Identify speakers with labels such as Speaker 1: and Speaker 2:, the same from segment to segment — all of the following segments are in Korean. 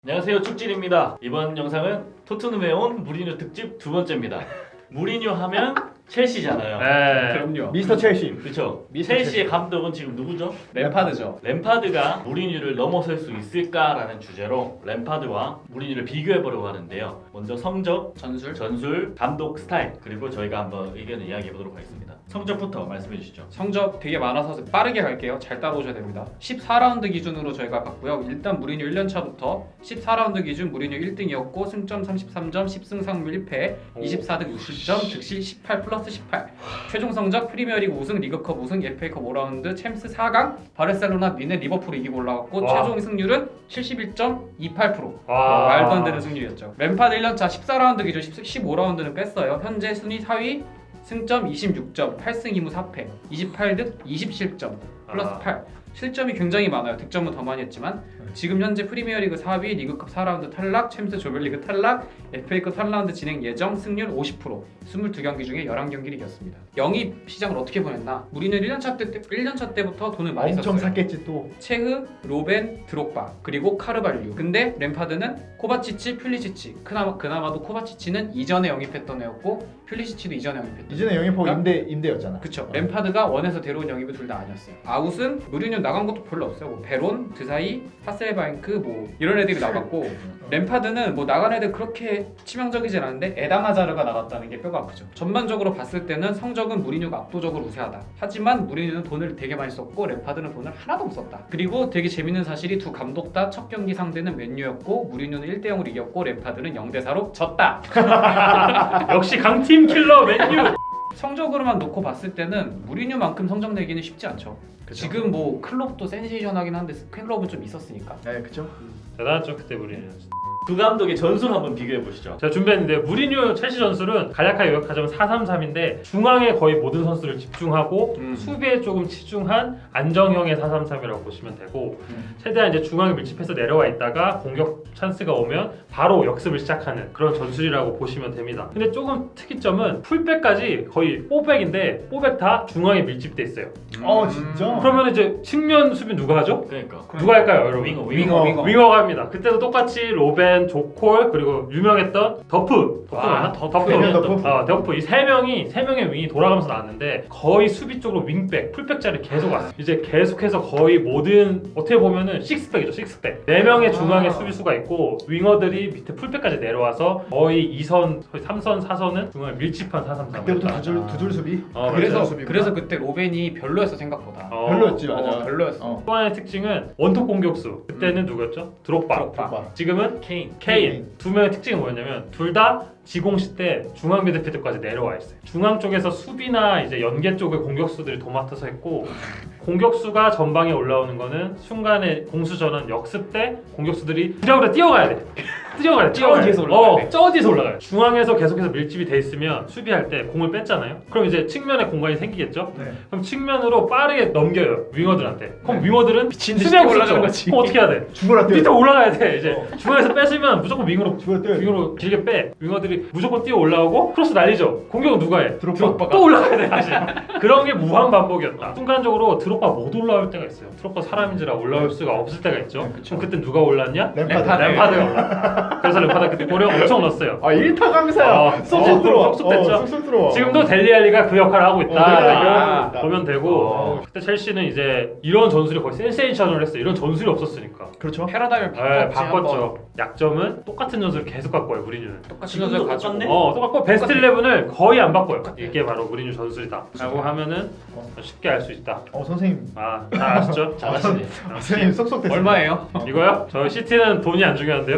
Speaker 1: 안녕하세요, 축질입니다. 이번 영상은 토트넘에 온 무리뉴 특집 두 번째입니다. 무리뉴 하면 첼시잖아요.
Speaker 2: 네.
Speaker 3: 그럼요.
Speaker 2: 미스터 첼시.
Speaker 1: 그렇죠.
Speaker 2: 미스터
Speaker 1: 첼시의 감독은 지금 누구죠?
Speaker 3: 램파드죠.
Speaker 1: 램파드가 무리뉴를 넘어설 수 있을까라는 주제로 램파드와 무리뉴를 비교해보려고 하는데요. 먼저 성적, 전술, 감독 스타일, 그리고 저희가 한번 의견을 이야기해보도록 하겠습니다. 성적부터 말씀해 주시죠.
Speaker 3: 성적 되게 많아서 빠르게 갈게요. 잘 따라오셔야 됩니다. 14라운드 기준으로 저희가 봤고요. 일단 무리뉴 1년차부터 14라운드 기준 무리뉴 1등이었고 승점 33점, 10승 3무 1패, 24득 60점, 득실 18 플러스 18. 최종 성적 프리미어리그 우승, 리그컵 우승, FA컵 5라운드, 챔스 4강, 바르셀로나, 미네, 리버풀 이기고 올라갔고
Speaker 2: 와.
Speaker 3: 최종 승률은 71.28%.
Speaker 2: 와.
Speaker 3: 말도 안 되는 승률이었죠. 램파드 1년차 14라운드 기준 15라운드는 뺐어요. 현재 순위 4위, 승점 26점, 8승 2무 4패, 28득 27점, 플러스 8. 실점이 굉장히 많아요. 득점은 더 많이 했지만 지금 현재 프리미어리그 4위, 리그컵 4라운드 탈락, 챔스 조별리그 탈락, FA컵 3라운드 진행 예정, 승률 50%, 22경기 중에 11경기를 이겼습니다. 영입 시장을 어떻게 보냈나? 우리는 1년차 때부터 돈을 많이
Speaker 2: 엄청
Speaker 3: 썼어요.
Speaker 2: 샀겠지 또.
Speaker 3: 체흐, 로벤, 드록바, 그리고 카르발류. 근데 램파드는 코바치치, 퓰리시치. 그나마도 코바치치는 이전에 영입했던 애였고 퓰리시치도 이전에 영입했던.
Speaker 2: 이전에 영입하고
Speaker 3: 그러니까
Speaker 2: 임대였잖아.
Speaker 3: 그쵸. 램파드가 원에서 데려온 영입이 둘 다 아니었어요. 아웃은 무리뉴 나간 것도 별로 없어요. 뭐 베론, 드사이, 하셀바잉크 뭐 이런 애들이 나갔고 램파드는 뭐 나간 애들 그렇게 치명적이진 않은데 에다마자르가 나갔다는 게 뼈가 아프죠. 전반적으로 봤을 때는 성적은 무리뉴가 압도적으로 우세하다. 하지만 무리뉴는 돈을 되게 많이 썼고 램파드는 돈을 하나도 못 썼다. 그리고 되게 재밌는 사실이 두 감독 다 첫 경기 상대는 맨유였고 무리뉴는 1대0으로 이겼고 램파드는 0대4로 졌다.
Speaker 2: 역시 강팀 킬러 맨유.
Speaker 3: 성적으로만 놓고 봤을 때는 무리뉴만큼 성적 내기는 쉽지 않죠.
Speaker 2: 그쵸.
Speaker 3: 지금 뭐 클럽도 센세이션하긴 한데 클럽은 좀 있었으니까.
Speaker 2: 네, 그쵸.
Speaker 4: 대단하죠 그때 무리뉴.
Speaker 1: 두 감독의 전술 한번 비교해 보시죠.
Speaker 4: 제가 준비했는데 무리뉴 첼시 전술은 간략하게 요약하자면 4-3-3인데 중앙에 거의 모든 선수를 집중하고 수비에 조금 치중한 안정형의 4-3-3이라고 보시면 되고 최대한 이제 중앙에 밀집해서 내려와 있다가 공격 찬스가 오면 바로 역습을 시작하는 그런 전술이라고 보시면 됩니다. 근데 조금 특이점은 풀백까지 거의 4백인데 4백 다 중앙에 밀집돼 있어요.
Speaker 2: 진짜?
Speaker 4: 그러면 이제 측면 수비 누가 하죠?
Speaker 1: 그러니까
Speaker 4: 누가 할까요, 여러분?
Speaker 1: 윙어.
Speaker 4: 윙어가 합니다. 그때도 똑같이 로벤, 조콜 그리고 유명했던 더프.
Speaker 1: 아,
Speaker 2: 대면 더프.
Speaker 4: 더프. 이 세 명의 윙이 돌아가면서 나왔는데 거의 수비 쪽으로 윙백, 풀백 자리 계속 왔어요. 이제 계속해서 거의 모든 어떻게 보면은 식스백이죠, 식스백. 4명의 중앙에 수비수가 있고 윙어들이 밑에 풀백까지 내려와서 거의 2선, 거의 3선, 4선은 중앙에 밀집한 4-3-3.
Speaker 2: 그때부터 두줄 수비.
Speaker 3: 그래서 그때 로벤이 별로였어 생각보다.
Speaker 2: 별로였지, 맞아.
Speaker 3: 별로였어.
Speaker 4: 또 하나의 특징은 원톱 공격수. 그때는 누구였죠? 드록바. 지금은 케인. 두 명의 특징이 뭐였냐면 둘 다 지공시 때 중앙 미드필드까지 내려와 있어요. 중앙 쪽에서 수비나 이제 연계 쪽의 공격수들이 도맡아서 했고 공격수가 전방에 올라오는 거는 순간에 공수 전환 역습 때 공격수들이 부적으로 뛰어가야 돼. 뛰어가야 돼.
Speaker 3: 뒤에서 올라가야 돼.
Speaker 4: 저 뒤에서 올라가요. 중앙에서 계속해서 밀집이 돼 있으면 수비할 때 공을 뺐잖아요. 그럼 이제 측면에 공간이 생기겠죠.
Speaker 2: 네.
Speaker 4: 그럼 측면으로 빠르게 넘겨요 윙어들한테. 그럼
Speaker 3: 네.
Speaker 4: 윙어들은
Speaker 3: 미친 듯이
Speaker 4: 수비하고
Speaker 3: 올라가는
Speaker 4: 있었죠.
Speaker 3: 거지.
Speaker 4: 그럼 어떻게 해야 돼?
Speaker 2: 죽어라 뛰어.
Speaker 4: 밑에 올라가야 돼. 이제 중앙에서 뺏으면 무조건 윙으로
Speaker 2: 죽어라
Speaker 4: 윙으로 길게 빼. 윙어들이 무조건 뛰어 올라오고 크로스 날리죠. 공격은 누가 해?
Speaker 2: 드록바.
Speaker 4: 또 올라가야 돼 다시. 그런 게 무한 반복이었다. 순간적으로 드록바 못 올라올 때가 있어요. 드록바 사람인지라 올라올 수가 없을 때가 있죠.
Speaker 2: 그쵸.
Speaker 4: 그럼 그때 누가 올랐냐?
Speaker 2: 램파드.
Speaker 4: 램파드가 올랐어. 그래서 램파드 그때 골을 엄청 넣었어요.
Speaker 2: 1타 강사야. 쏙쏙 들어와.
Speaker 4: 쏙쏙 됐죠.
Speaker 2: 쏙쏙 들어와.
Speaker 4: 지금도 델리알리가 그 역할을 하고 있다.
Speaker 2: 네.
Speaker 4: 보면 되고 그때 첼시는 이제 이런 전술이 거의 센세이션을 했어요. 이런 전술이 없었으니까.
Speaker 2: 그렇죠.
Speaker 3: 패러다임을
Speaker 4: 바꿨죠. 약점은 똑같은 전술을 계속 바꿔요. 무리뉴는.
Speaker 3: 똑같이
Speaker 1: 지금도
Speaker 3: 전술 가지고.
Speaker 1: 똑같네?
Speaker 4: 똑같고 베스트 11을 거의 안 바꿔요. 이게 바로 무리뉴 전술이다. 라고 하면은 쉽게 알 수 있다.
Speaker 2: 선생님.
Speaker 4: 잘 아시죠?
Speaker 1: 잘하시네.
Speaker 2: 선생님 쏙쏙 됐어.
Speaker 3: 얼마예요?
Speaker 4: 이거요? 저 시티는 돈이 안 중요한데요.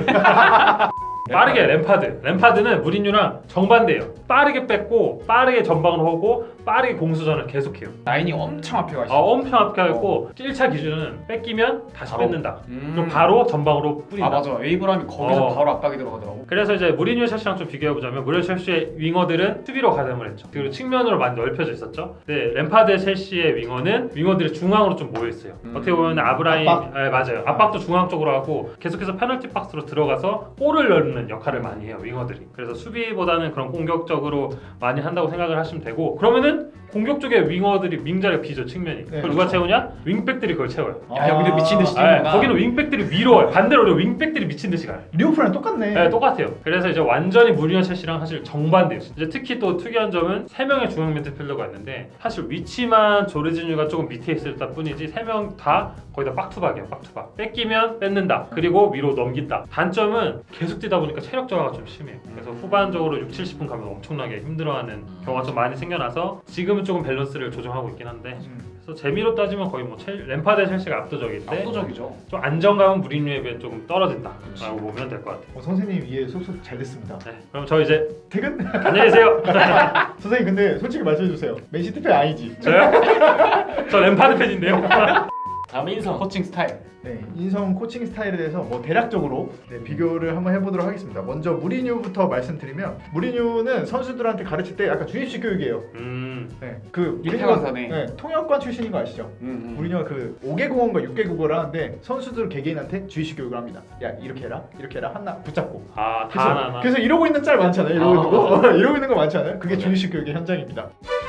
Speaker 4: 빠르게 램파드는 무리뉴랑 정반대예요. 빠르게 뺏고 빠르게 전방으로 하고 빠르게 공수전을 계속해요.
Speaker 3: 라인이 엄청 앞에 가 있어.
Speaker 4: 엄청 앞에 있고 1차 기준은 뺏기면 다시
Speaker 1: 바로.
Speaker 4: 뺏는다. 그럼 바로 전방으로 뿌린다.
Speaker 3: 맞아. 에이브람이 거기서 바로 압박이 들어가더라고.
Speaker 4: 그래서 이제 무리뉴 첼시랑 좀 비교해보자면 무리뉴 첼시의 윙어들은 수비로 가담을 했죠. 그리고 측면으로 많이 넓혀져 있었죠. 근데 램파드 첼시의 윙어들이 중앙으로 좀 모여있어요. 어떻게 보면 아브라임
Speaker 2: 압박.
Speaker 4: 맞아요. 압박도 중앙 쪽으로 하고 계속해서 페널티 박스로 들어가서 골을 넣는 걷는 역할을 많이 해요, 윙어들이. 그래서 수비보다는 그런 공격적으로 많이 한다고 생각을 하시면 되고, 그러면은 공격 쪽에 윙어들이 윙자리가 비죠, 측면이. 그걸 누가 채우냐? 윙백들이 그걸 채워요.
Speaker 3: 야, 여기도 미친 듯이
Speaker 4: 아,
Speaker 3: 뛰는구나.
Speaker 4: 거기는 윙백들이 위로 와요. 반대로 윙백들이 미친 듯이 가요.
Speaker 2: 리오프랑 똑같네.
Speaker 4: 네, 똑같아요. 그래서 이제 완전히 무리뉴 첼시랑 사실 정반대예요. 이제 특히 또 특이한 점은 3명의 중앙 미드필더가 있는데 사실 위치만 조르지뉴가 조금 밑에 있을 뿐이지 3명 다 거의 다 빡투박이에요. 빡투박. 뺏기면 뺏는다. 그리고 위로 넘긴다. 단점은 계속 뛰다 보니까 체력 저하가 좀 심해요. 그래서 후반적으로 6, 70분 가면 엄청나게 힘들어하는 경우가 좀 많이 생겨나서 지금은 조금 밸런스를 조정하고 있긴 한데, 그래서 재미로 따지면 거의 뭐 램파드 첼시가 압도적인데
Speaker 3: 압도적이죠.
Speaker 4: 좀 안정감은 무리뉴에 비해 조금 떨어진다라고 보면 될 것 같아요.
Speaker 2: 선생님 이해 쏙쏙 잘 됐습니다.
Speaker 4: 네, 그럼 저 이제
Speaker 2: 퇴근?
Speaker 4: 안녕히 계세요.
Speaker 2: 선생님 근데 솔직히 말씀해주세요. 맨시티 팬 아니지?
Speaker 4: 저요? 저 램파드 팬인데요.
Speaker 1: 다음 인성.
Speaker 3: 코칭 스타일.
Speaker 2: 네, 인성 코칭 스타일에 대해서 뭐 대략적으로 비교를 한번 해보도록 하겠습니다. 먼저 무리뉴부터 말씀드리면 무리뉴는 선수들한테 가르칠 때 약간 주입식 교육이에요.
Speaker 3: 일타강사네.
Speaker 2: 네, 무리뉴가
Speaker 3: 네.
Speaker 2: 통역관 출신인 거 아시죠? 무리뉴가 그 5개 국어인가 6개 국어를 하는데 선수들 개개인한테 주입식 교육을 합니다. 야 이렇게 해라 하나 붙잡고.
Speaker 4: 아, 다 하나.
Speaker 2: 그래서 이러고 있는 짤 많잖아요. 이러고 있는 거 이러고 있는 거 많잖아요. 그게 주입식 교육의 현장입니다.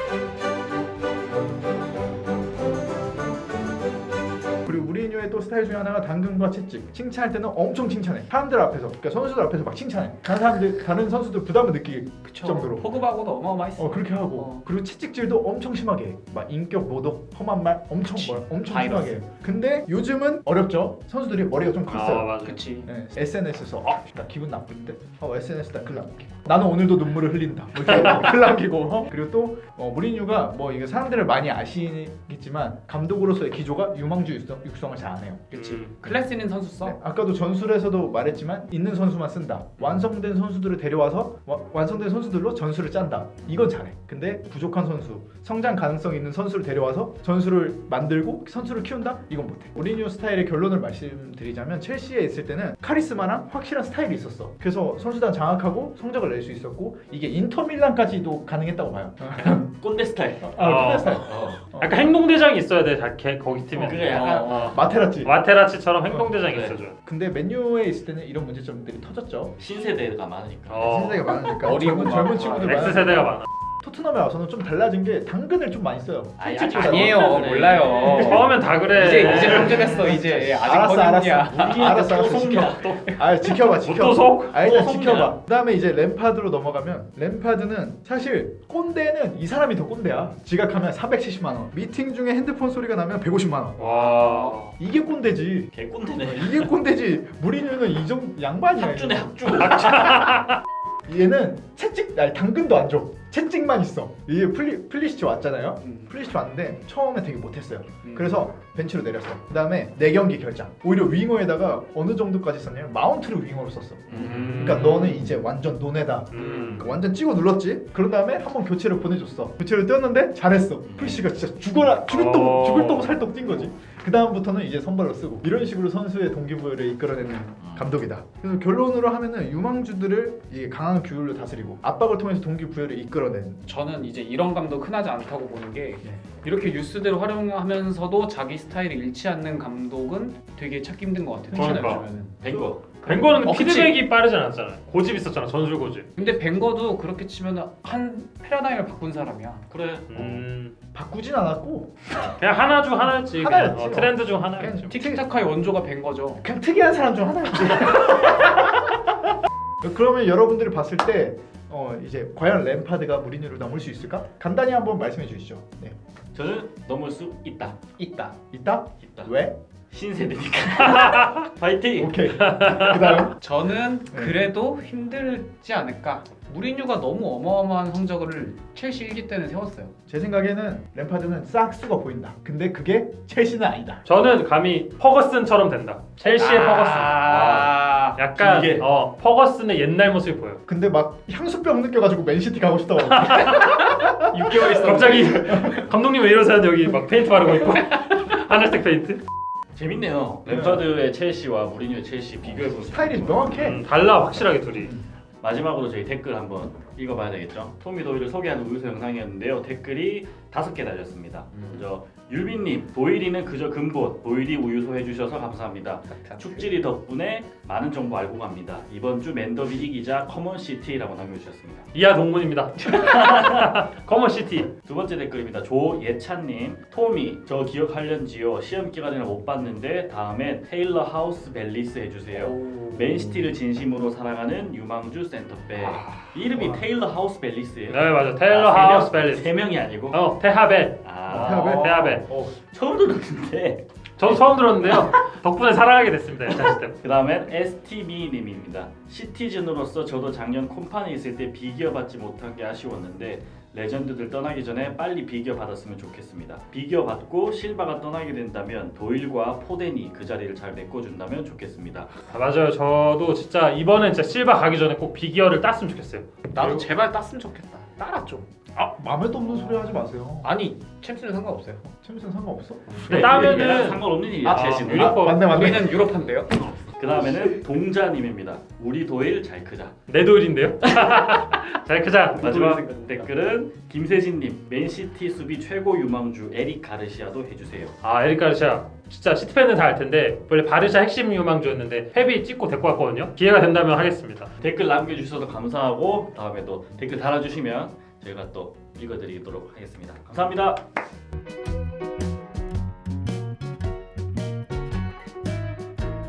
Speaker 2: 그리고 무리뉴의 또 스타일 중에 하나가 당근과 채찍. 칭찬할 때는 엄청 칭찬해. 사람들 앞에서, 그러니까 선수들 앞에서 막 칭찬해. 다른 선수들 부담을 느끼게 정도로.
Speaker 3: 포그바고도 어마어마했어.
Speaker 2: 그렇게 하고 그리고 채찍질도 엄청 심하게 해. 막 인격 모독, 험한 말 엄청 엄청
Speaker 3: 바이러스.
Speaker 2: 심하게 해. 근데 요즘은 어렵죠. 선수들이 머리가 좀 컸어요.
Speaker 4: 아, 맞아.
Speaker 3: 그치.
Speaker 2: 네, SNS에서 나 기분 나쁜데? SNS에다 글 남기고 나는 오늘도 눈물을 흘린다 뭐 이렇게 글 남기고 그리고 또 무리뉴가 뭐 이게 사람들을 많이 아시겠지만 감독으로서의 기조가 유망주 육성을 잘 안 해요.
Speaker 3: 그치. 클래스 있는 선수 써.
Speaker 2: 네, 아까도 전술에서도 말했지만 있는 선수만 쓴다. 완성된 선수들을 데려와서 완성된 선수들로 전술을 짠다. 이건 잘해. 근데 부족한 선수, 성장 가능성 있는 선수를 데려와서 전술을 만들고 선수를 키운다? 이건 못해. 무리뉴 스타일의 결론을 말씀드리자면 첼시에 있을 때는 카리스마랑 확실한 스타일이 있었어. 그래서 선수단 장악하고 성적을 낼 수 있었고 이게 인터밀란까지도 가능했다고 봐요.
Speaker 1: 꼰대 스타일.
Speaker 2: 꼰대 스타일.
Speaker 4: 약간 행동대장이 있어야 돼, 거기 팀에.
Speaker 1: 그게 약간
Speaker 2: 마테라치.
Speaker 4: 와테라치처럼 행동대장이
Speaker 1: 네.
Speaker 4: 있어줘요.
Speaker 2: 근데 맨유에 있을 때는 이런 문제점들이 터졌죠.
Speaker 1: 신세대가 많으니까.
Speaker 2: 신세가 많으니까
Speaker 3: 어리고
Speaker 2: 젊은 친구들 많아서.
Speaker 4: X세대가 많아.
Speaker 2: 토트넘에 와서는 좀 달라진 게 당근을 좀 많이 써요.
Speaker 1: 아니,
Speaker 2: 솔직히
Speaker 3: 아니에요.
Speaker 1: 그래.
Speaker 3: 몰라요.
Speaker 4: 처음엔 다 그래.
Speaker 3: 이제 성적했어. 이제 아직
Speaker 2: 알았어.
Speaker 3: 어린이야.
Speaker 2: 알았어.
Speaker 1: 또 속냐, 또.
Speaker 2: 지켜봐.
Speaker 4: 또 속?
Speaker 2: 일단
Speaker 1: 또 속냐.
Speaker 2: 지켜봐. 그다음에 이제 램파드로 넘어가면 램파드는 사실 꼰대는 이 사람이 더 꼰대야. 지각하면 470만 원. 미팅 중에 핸드폰 소리가 나면 150만 원.
Speaker 4: 와.
Speaker 2: 이게 꼰대지.
Speaker 1: 개꼰대네.
Speaker 2: 이게 꼰대지. 무리뉴는 이 정도 양반이야.
Speaker 1: 학주네 학주.
Speaker 2: 얘는 당근도 안 줘. 채찍만 있어. 이게 플리시치 왔잖아요. 플리시치 왔는데 처음에 되게 못했어요. 그래서 벤치로 내렸어. 그 다음에 4경기 결장. 오히려 윙어에다가 어느 정도까지 썼냐면 마운트를 윙어로 썼어. 그러니까 너는 이제 완전 논에다. 그러니까 완전 찍어 눌렀지. 그런 다음에 한번 교체를 보내줬어. 교체를 뛰었는데 잘했어. 플리시치가 진짜 죽을 똥 살똥 뛴 거지. 그 다음부터는 이제 선발로 쓰고 이런 식으로 선수의 동기부여를 이끌어내는 감독이다. 그래서 결론으로 하면은 유망주들을 이게 강한 규율로 다스리고 압박을 통해서 동기부여를 이끌어내는.
Speaker 3: 저는 이제 이런 감독 흔하지 않다고 보는 게
Speaker 2: 네.
Speaker 3: 이렇게 유스대로 활용하면서도 자기 스타일이 잃지 않는 감독은 되게 찾기 힘든 것 같아요. 특히나
Speaker 4: 그러니까.
Speaker 3: 요즘에는.
Speaker 1: 뱅거.
Speaker 4: 벵거는
Speaker 3: 그치.
Speaker 4: 피드백이 빠르지 않았잖아요. 고집 있었잖아, 전술 고집.
Speaker 3: 근데 벵거도 그렇게 치면 한 패러다임을 바꾼 사람이야.
Speaker 1: 그래.
Speaker 2: 바꾸진 않았고
Speaker 4: 그냥 하나 중 하나였지.
Speaker 2: 하나였지.
Speaker 4: 그냥. 트렌드 중 하나였지.
Speaker 2: 그냥
Speaker 3: 티키타카의 원조가 벵거죠.
Speaker 2: 그냥 특이한 사람 중 하나였지. 그러면 여러분들이 봤을 때 이제 과연 램파드가 무리뉴를 넘을 수 있을까? 간단히 한번 말씀해 주시죠. 네.
Speaker 1: 저는 넘을 수 있다.
Speaker 3: 있다.
Speaker 2: 있다?
Speaker 1: 있다.
Speaker 2: 왜?
Speaker 1: 신세대니까. 파이팅.
Speaker 2: 오케이. 그다음
Speaker 3: 저는
Speaker 2: 네.
Speaker 3: 그래도 힘들지 않을까. 무리뉴가 너무 어마어마한 성적을 첼시 1기 때는 세웠어요.
Speaker 2: 제 생각에는 램파드는 싹수가 보인다. 근데 그게 첼시는 아니다.
Speaker 4: 저는 감히 퍼거슨처럼 된다. 첼시의 퍼거슨. 약간
Speaker 1: 길게.
Speaker 4: 퍼거슨의 옛날 모습이 보여.
Speaker 2: 근데 막 향수병 느껴가지고 맨시티 가고 싶다고.
Speaker 3: 6개월 있었는데.
Speaker 4: 갑자기 감독님 왜 이러세요? 여기 막 페인트 바르고 있고 하늘색 페인트.
Speaker 1: 재밌네요. 램파드의 첼시와 무리뉴의 첼시 비교해보면
Speaker 2: 스타일이 명확해.
Speaker 4: 달라 확실하게 둘이.
Speaker 1: 마지막으로 저희 댓글 한번 읽어봐야 되겠죠. 토미 도일을 소개하는 우유소 영상이었는데요. 댓글이 5개 달렸습니다. 먼저 유빈님, 도일이는 그저 근본, 도일이 우유소 해주셔서 감사합니다. 축질이 덕분에 많은 정보 알고 갑니다. 이번 주 맨더비 이기자 커먼시티라고 남겨주셨습니다.
Speaker 4: 이하 동문입니다. 커먼시티.
Speaker 1: 두 번째 댓글입니다. 조예찬님, 토미, 저 기억하련지요. 시험 기간에는 못 봤는데 다음에 테일러 하우스 벨리스 해주세요. 맨시티를 진심으로 사랑하는 유망주 센터백. 이름이 테일러 하우스 벨리스예요.
Speaker 4: 네 맞아. 테일러 하우스 벨리스.
Speaker 1: 세 명이 아니고.
Speaker 4: 테하벨.
Speaker 1: 아,
Speaker 4: 테하벨.
Speaker 1: 처음 들었는데.
Speaker 4: 저도 처음 들었는데요. 덕분에 사랑하게 됐습니다. 예찬 시스템.
Speaker 1: 그 다음엔 STB님입니다. 시티즌으로서 저도 작년 콤판에 있을 때 비기어 받지 못한 게 아쉬웠는데 레전드들 떠나기 전에 빨리 비기어 받았으면 좋겠습니다. 비기어 받고 실바가 떠나게 된다면 도일과 포덴이 그 자리를 잘 메꿔준다면 좋겠습니다.
Speaker 4: 맞아요. 저도 진짜 이번엔 진짜 실바 가기 전에 꼭 비기어를 땄으면 좋겠어요.
Speaker 3: 나도 제발 땄으면 좋겠다. 따랐죠.
Speaker 2: 마음에도 없는 소리 하지 마세요.
Speaker 3: 아니 챔스는 상관없어요.
Speaker 2: 챔스는 상관없어?
Speaker 4: 근데
Speaker 1: 얘랑
Speaker 4: 따면은
Speaker 1: 상관없는 일이야. 제시는.
Speaker 4: 유니폼.
Speaker 2: 맞네.
Speaker 3: 우리는 유럽한데요.
Speaker 1: 그 다음에는 동자님입니다. 우리 도일 잘 크자.
Speaker 4: 내 도일인데요. 잘 크자.
Speaker 1: 마지막 댓글은 김세진님, 맨시티 수비 최고 유망주 에릭 가르시아도 해주세요.
Speaker 4: 에릭 가르시아. 진짜 시티팬은 다 알 텐데 원래 바르샤 핵심 유망주였는데 헤비 찍고 데리고 왔거든요. 기회가 된다면 하겠습니다.
Speaker 1: 댓글 남겨주셔서 감사하고 다음에 또 댓글 달아주시면 저희가 또 읽어드리도록 하겠습니다. 감사합니다.